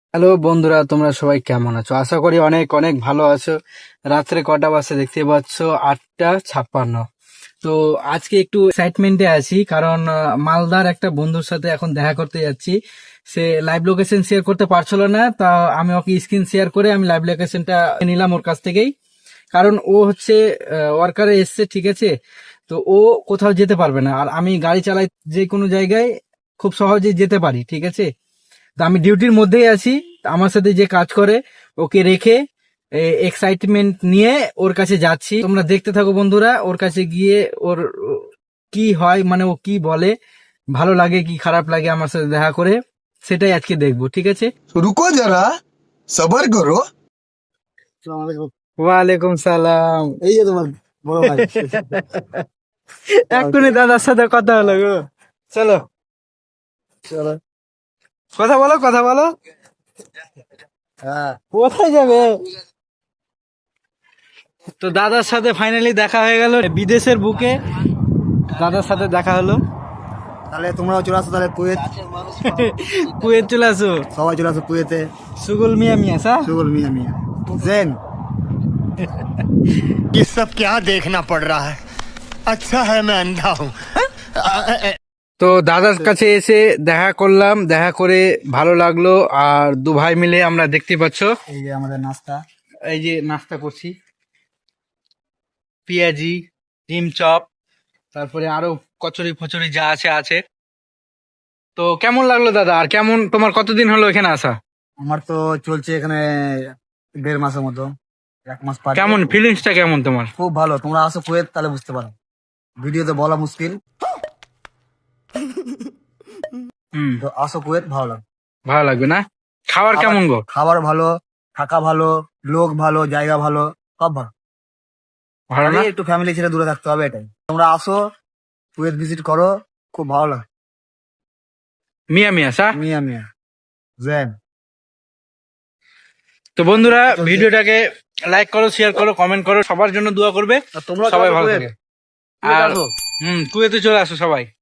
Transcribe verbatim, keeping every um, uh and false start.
Hello বন্ধুরা, তোমরা সবাই কেমন আছো? আশা করি অনেক অনেক ভালো আছো। রাত্রে কটা বাজে দেখতে পাচ্ছ, আটটা ছাপ্পান্ন। তো আজকে একটু এক্সাইটমেন্টে আছি, কারণ আহ, মালদার একটা বন্ধুর সাথে এখন দেখা করতে যাচ্ছি। সে লাইভ লোকেশন শেয়ার করতে পারছিল না, তা আমি ওকে স্ক্রিন শেয়ার করে আমি লাইভ লোকেশনটা নিলাম ওর কাছ থেকেই। কারণ ও হচ্ছে ওয়ার্কারে এসছে, ঠিক আছে। তো ও কোথাও যেতে পারবে না, আর আমি গাড়ি চালাই যে কোনো জায়গায় খুব সহজেই যেতে পারি, ঠিক আছে। তো আমি ডিউটির মধ্যেই আছি। আমার সাথে যে কাজ করে ওকে রেখে এক্সাইটমেন্ট নিয়ে ওর কাছে যাচ্ছি। তোমরা দেখতে থাকো বন্ধুরা, ওর কাছে গিয়ে ওর কি হয়, মানে ও কি বলে, ভালো লাগে কি খারাপ লাগে আমার সাথে দেখা করে, সেটাই আজকে দেখবো, ঠিক আছে। रुको जरा सबर करो। ওয়ালাইকুম সালাম। এই যে তোমার বড় ভাই। এক্ষুনি দাদার সাথে কথা হলো গো। চলো চলো। কথা বলো, কথা বলো। হ্যাঁ, কোথায় যাবে? তো দাদার সাথে ফাইনালি দেখা হয়ে গেল বিদেশের বুকে। দাদার সাথে দেখা হলো। তাহলে তোমরাও চলে আসো, তাহলে কুয়েত কুয়েত চলে আসো। সবাই চলে আসো কুয়েতে। সুগুল মিয়া মিয়া সা। সুগল মিয়া মিয়া জেন। ये सब क्या देखना पड़ रहा है। अच्छा है मैं अंधा हूँ। তো দাদার কাছে এসে দেখা করলাম, দেখা করে ভালো লাগলো। আর দু ভাই মিলে আমরা দেখতে পাচ্ছ এই যে আমাদের নাস্তা। এই যে নাস্তা করছি, পেঁয়াজি, ডিম চপ, তারপরে আরো কচুরি ফচুরি যা আছে আছে। তো কেমন লাগলো দাদা? আর কেমন, তোমার কতদিন হলো এখানে আসা? আমার তো চলছে এখানে দেড় মাসের মতো, এক মাস পার। কেমন ফিলিংসটা, কেমন তোমার? খুব ভালো। তোমরা আসো কুয়েত, তাহলে বুঝতে পারো। ভিডিওতে বলা মুশকিল, হুম, তো আসো কুয়েত, ভালো লাগবে। ভালো লাগবে না? খাবার কেমন গো? খাবার ভালো, থাকা ভালো, লোক ভালো, জায়গা ভালো, সব ভালো। ভালো না? খালি একটু ফ্যামিলি ছেড়ে দূরে থাকতে হবে, এটাই। তোমরা আসো কুয়েত, ভিজিট করো, খুব ভালো লাগে। মিয়া মিয়া সা। মিয়া মিয়া জেন। তো বন্ধুরা, ভিডিওটাকে লাইক করো, শেয়ার করো, কমেন্ট করো, সবার জন্য দোয়া করবে। তোমরা সবাই ভালো থাকে। আর আর হুম, কুয়েতে চলে আসো সবাই।